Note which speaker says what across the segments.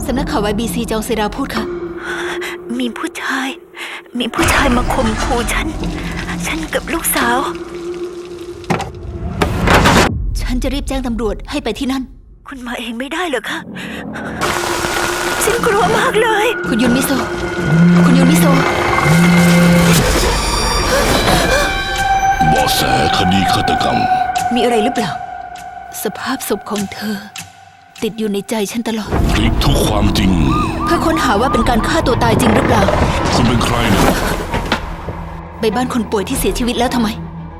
Speaker 1: สำนักข่าว YBC จองเซราพูดค่ะ
Speaker 2: มีผู้ชายมาข่มขู่ฉันกับลูกสาว
Speaker 1: ฉันจะรีบแจ้งตำรวจให้ไปที่นั่น
Speaker 2: คุณมาเองไม่ได้เหรอคะฉันกลัวมากเลย
Speaker 1: คุณยุนมิโซ
Speaker 3: เบาะแสคดีฆาตกรรม
Speaker 1: มีอะไรหรือเปล่าสภาพศพของเธอติดอยู่ในใจฉันตลอด
Speaker 3: พลิกทุกความจริง
Speaker 1: เพื่อค้นหาว่าเป็นการฆ่าตัวตายจริงหรือเปล่า
Speaker 3: คุณเป็นใครเนี่ย
Speaker 1: ไปบ้านคนป่วยที่เสียชีวิตแล้วทำไม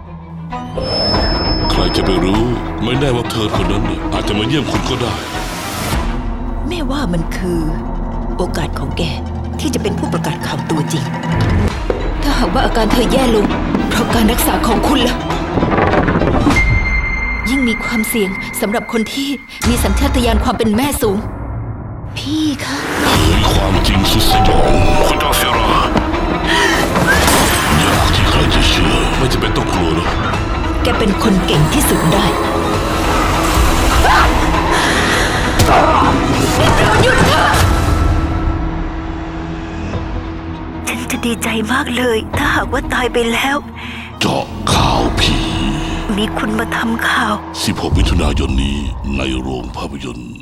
Speaker 3: ใครจะไปรู้ไม่แน่ว่าเธอคนนั้นอาจจะมาเยี่ยมคุณก็ได้
Speaker 2: แม่ว่ามันคือโอกาสของแกที่จะเป็นผู้ประกาศข่าวตัวจริง
Speaker 1: ถ้าหากว่าอาการเธอแย่ลงเพราะการรักษาของคุณล่ะยิ่งมีความเสี่ยงสำหรับคนที่มีสัญชาตญาณความเป็นแม่สูงพี่คะ
Speaker 3: เผยความจริงสุดสยองคุณดาเซรายากที่ใครจะเชื่อไม่จะเป็นต้องกลัวหรอก
Speaker 2: แกเป็นคนเก่งที่สุดได้หยุดเถอะฉันจะดีใจมากเลยถ้าหากว่าตายไปแล้ว
Speaker 3: เจาะข่าวผี
Speaker 2: มีคุณมาทำข่าว
Speaker 3: 16 มิถุนายนนี้ในโรงภาพยนตร์